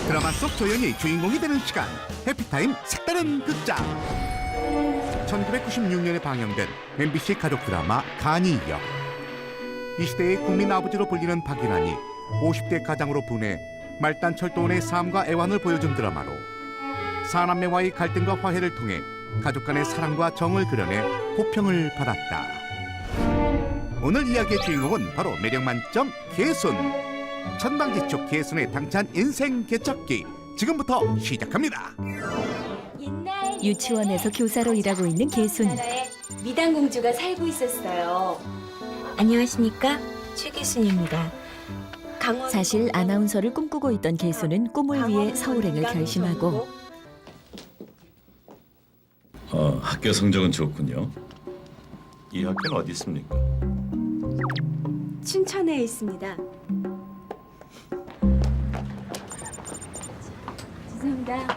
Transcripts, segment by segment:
드라마 속 조연이 주인공이 되는 시간, 해피타임 색다른 극장. 1996년에 방영된 MBC 가족 드라마 간이역. 이 시대의 국민 아버지로 불리는 박인환이 50대 가장으로 분해 말단 철도원의 삶과 애환을 보여준 드라마로 사남매와의 갈등과 화해를 통해 가족 간의 사랑과 정을 그려내 호평을 받았다. 오늘 이야기의 주인공은 바로 매력 만점 개순. 천방지축 개순의 당찬 인생 개척기, 지금부터 시작합니다. 유치원에서 교사로 일하고 있는 개순. 미당 공주가 살고 있었어요. 안녕하십니까? 최기순입니다. 사실 아나운서를 꿈꾸고 있던 개순은 꿈을 위해 서울행을 결심하고 학교 성적은 좋군요. 이 학교는 어디 있습니까? 춘천에 있습니다. 죄송합니다.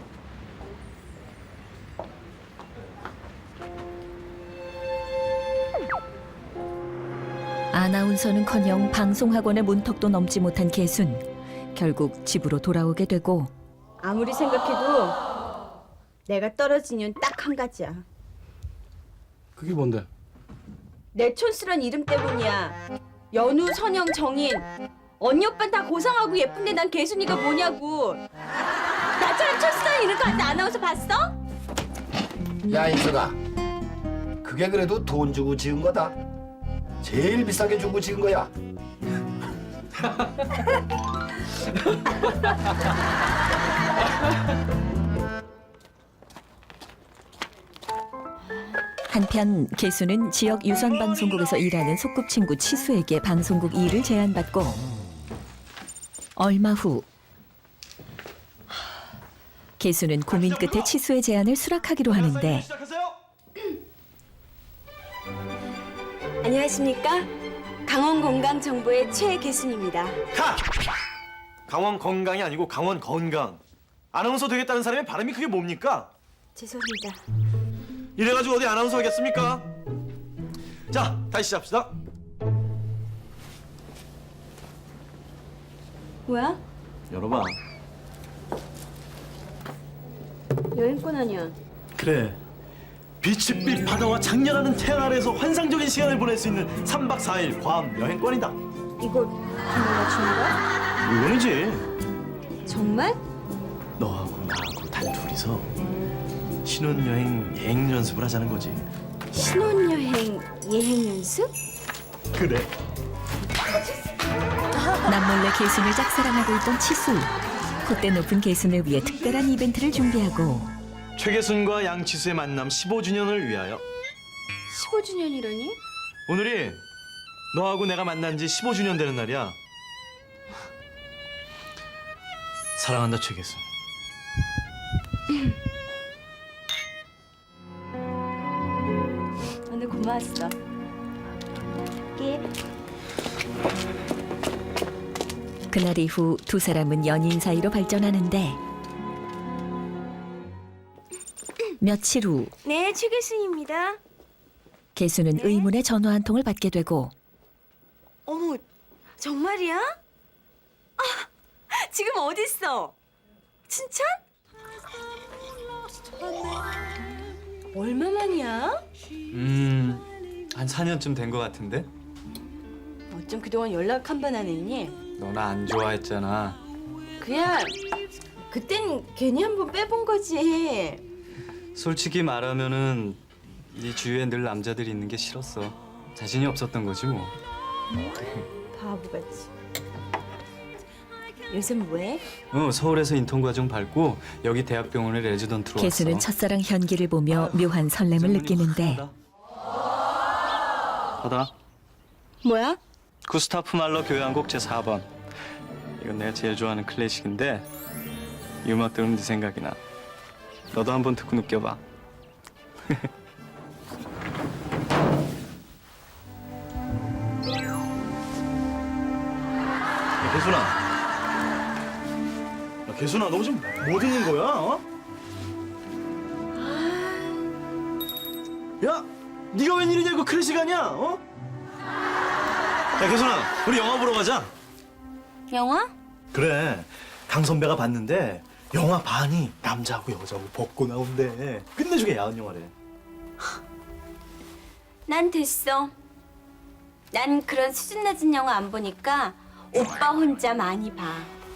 아나운서는커녕 방송학원의 문턱도 넘지 못한 개순. 결국 집으로 돌아오게 되고 아무리 생각해도 내가 떨어진 이유는 딱 한 가지야. 그게 뭔데? 내 촌스런 이름 때문이야. 연우, 선영, 정인. 언니 오빠는 다 고상하고 예쁜데 난 개순이가 뭐냐고. 나처럼 촌스런 이름 가진 아나운서 봤어? 야 인서가, 그게 그래도 돈 주고 지은 거다. 제일 비싸게 주고 지은 거야. 한편 개순은 지역 유선 방송국에서 일하는 소꿉친구 치수에게 방송국 일을 제안받고 얼마 후 개순은 고민 끝에 치수의 제안을 수락하기로 하는데 안녕하십니까? 강원건강정보의 최개순입니다. 가! 강원 건강이 아니고 강원 건강. 아나운서 되겠다는 사람의 바람이 그게 뭡니까? 죄송합니다. 이래가지고 어디 아나운서 하겠습니까? 자, 다시 시작합시다. 뭐야? 열어봐. 여행권 아니야. 그래. 빛빛 바다와 장렬하는 태양 아래에서 환상적인 시간을 보낼 수 있는 3박 4일 괌 여행권이다. 이거 정말 주는 거야? 물론이지. 정말? 너하고 나하고 단 둘이서 신혼여행 예행 연습을 하자는 거지. 신혼여행 예행 연습? 그래. 남몰래 개순을 짝사랑하고 있던 치수. 콧대 높은 개순을 위해 특별한 이벤트를 준비하고 최계순과 양치수의 만남 15주년을 위하여 15주년이라니? 오늘이 너하고 내가 만난 지 15주년 되는 날이야. 사랑한다, 최계순. 오늘 고마웠어. 그날 이후 두 사람은 연인 사이로 발전하는데 며칠 후 네, 최계순입니다. 개순은 의문의 전화 한 통을 받게 되고 어머, 정말이야? 아, 지금 어디 있어? 춘천? 얼마만이야? 한 4년쯤 된 것 같은데? 어쩜 그동안 연락 한 번 안 했니? 너나 안 좋아했잖아. 그냥 그땐 괜히 한 번 빼본 거지. 솔직히 말하면은 네 주위에 늘 남자들이 있는 게 싫었어. 자신이 없었던 거지 뭐. 바보같이. 요즘 뭐해? 서울에서 인턴 과정 밟고 여기 대학병원에 레지던트로 왔어. 개순은 첫사랑 현기를 보며 묘한 설렘을 느끼는데 받아. 뭐야? 구스타프 말러 교향곡 제4번. 이건 내가 제일 좋아하는 클래식인데 이 음악 들으면 네 생각이 나. 너도 한번 듣고 느껴봐. 개순아. 야, 개순아, 너 지금 뭐 듣는 거야? 어? 야, 네가 웬일이냐? 이거 클래식 아니야? 어? 야, 개순아, 우리 영화 보러 가자. 영화? 그래. 강 선배가 봤는데 영화 반이 남자하고 여자하고 벗고 나온대. 끝내주게 야한 영화래. 난 됐어. 난 그런 수준 낮은 영화 안 보니까 오빠 혼자 많이 봐.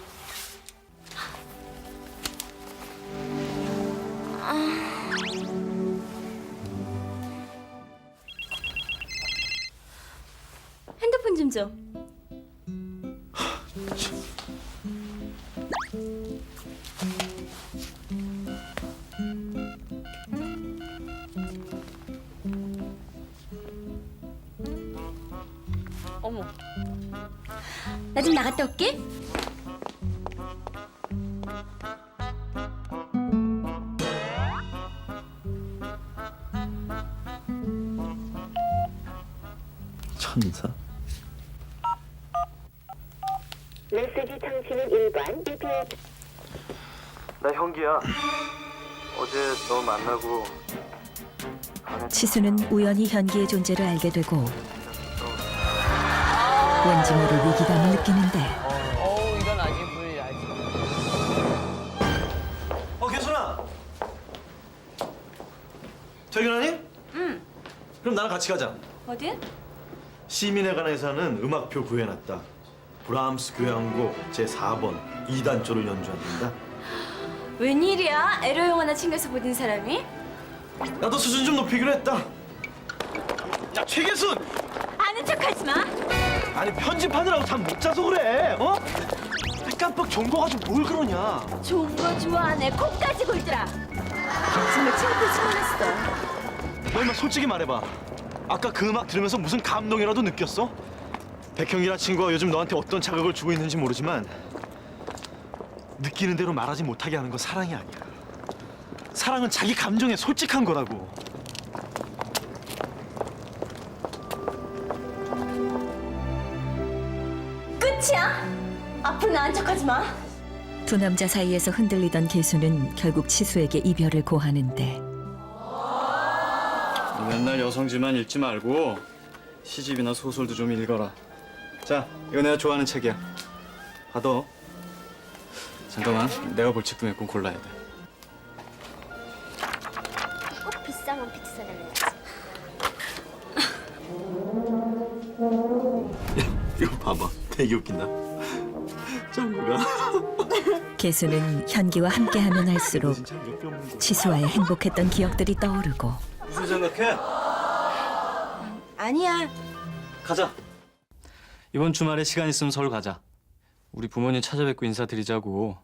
핸드폰 좀 줘. 어머. 나 좀 나갔다 올게. 천사. 메시지 통신은 1번, BPM. 나 현기야. 어제 너 만나고 치수는 우연히 현기의 존재를 알게 되고 왠지 모를 위기감을 느끼는데 이건 아직 불리하지. 개순아. 퇴근하니? 응. 그럼 나랑 같이 가자. 어디? 시민회관에서 하는 음악표 구해놨다. 브람스 교향곡 제4번 2단조를 연주한단다. 웬일이야? 에로 영화나 챙겨서 보는 사람이? 나도 수준 좀 높이기로 했다. 야, 최계순! 아는 척하지 마. 아니 편집하느라고 잠 못 자서 그래. 어? 깜빡 좋은 거 가지고 뭘 그러냐. 좋은 거 좋아하네. 코까지 골더라. 정말 창피해서 놀랐어. 너 임마 솔직히 말해봐. 아까 그 음악 들으면서 무슨 감동이라도 느꼈어? 백형이란 친구가 요즘 너한테 어떤 자극을 주고 있는지 모르지만 느끼는 대로 말하지 못하게 하는 건 사랑이 아니야. 사랑은 자기 감정에 솔직한 거라고. 끝이야? 앞으로 나은 척하지 마. 두 남자 사이에서 흔들리던 개수는 결국 치수에게 이별을 고하는데 맨날 여성지만 읽지 말고 시집이나 소설도 좀 읽어라. 자, 이거 내가 좋아하는 책이야. 받아. 잠깐만, 내가 볼 책 중에 꼭 골라야 돼. 꼭 비싼 원피스 사달래야지. 이거 봐봐. 되게 웃긴다. 짱구가. 개수는 현기와 함께하면 할수록 치수와의 행복했던 기억들이 떠오르고 무슨 생각해? 아니야. 가자. 이번 주말에 시간 있으면 서울 가자. 우리 부모님 찾아뵙고 인사드리자고.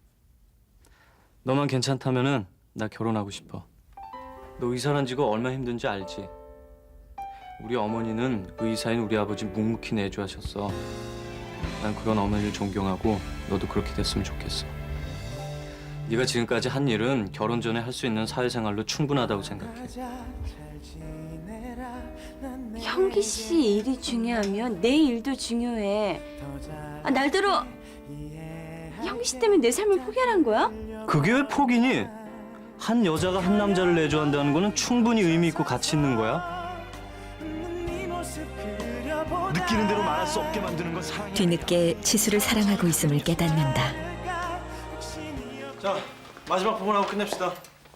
너만 괜찮다면은 나 결혼하고 싶어. 너 의사란 직업 얼마나 힘든지 알지? 우리 어머니는 의사인 우리 아버지 묵묵히 내조하셨어. 난 그런 어머니를 존경하고 너도 그렇게 됐으면 좋겠어. 네가 지금까지 한 일은 결혼 전에 할 수 있는 사회생활로 충분하다고 생각해. 형기 씨 일이 중요하면 내 일도 중요해. 아, 날더러 형기 씨 때문에 내 삶을 포기하란 거야? 그게 왜 포기니? 한 여자가 한 남자를 내조한다는 거는 충분히 의미 있고 가치 있는 거야. 느끼는 대로 말할 수 없게 만드는 건 사랑이. 뒤늦게 치수를 사랑하고 있음을 깨닫는다. 자, 마지막 부분하고 끝냅시다.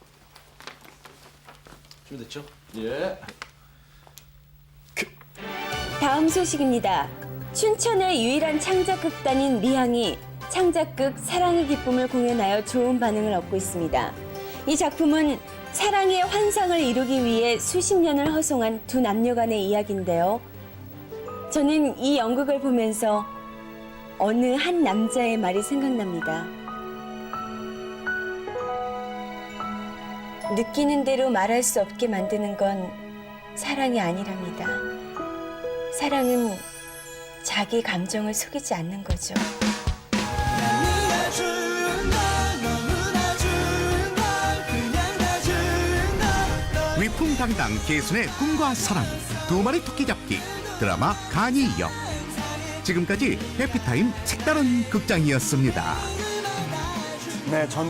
준비됐죠? 예. 다음 소식입니다. 춘천의 유일한 창작극단인 미향이 창작극 사랑의 기쁨을 공연하여 좋은 반응을 얻고 있습니다. 이 작품은 사랑의 환상을 이루기 위해 수십 년을 허송한 두 남녀 간의 이야기인데요. 저는 이 연극을 보면서 어느 한 남자의 말이 생각납니다. 느끼는 대로 말할 수 없게 만드는 건 사랑이 아니랍니다. 사랑은 자기 감정을 속이지 않는 거죠. 위풍당당 개순의 꿈과 사랑 두 마리 토끼 잡기 드라마 간이역. 지금까지 해피타임 색다른 극장이었습니다. 네, 전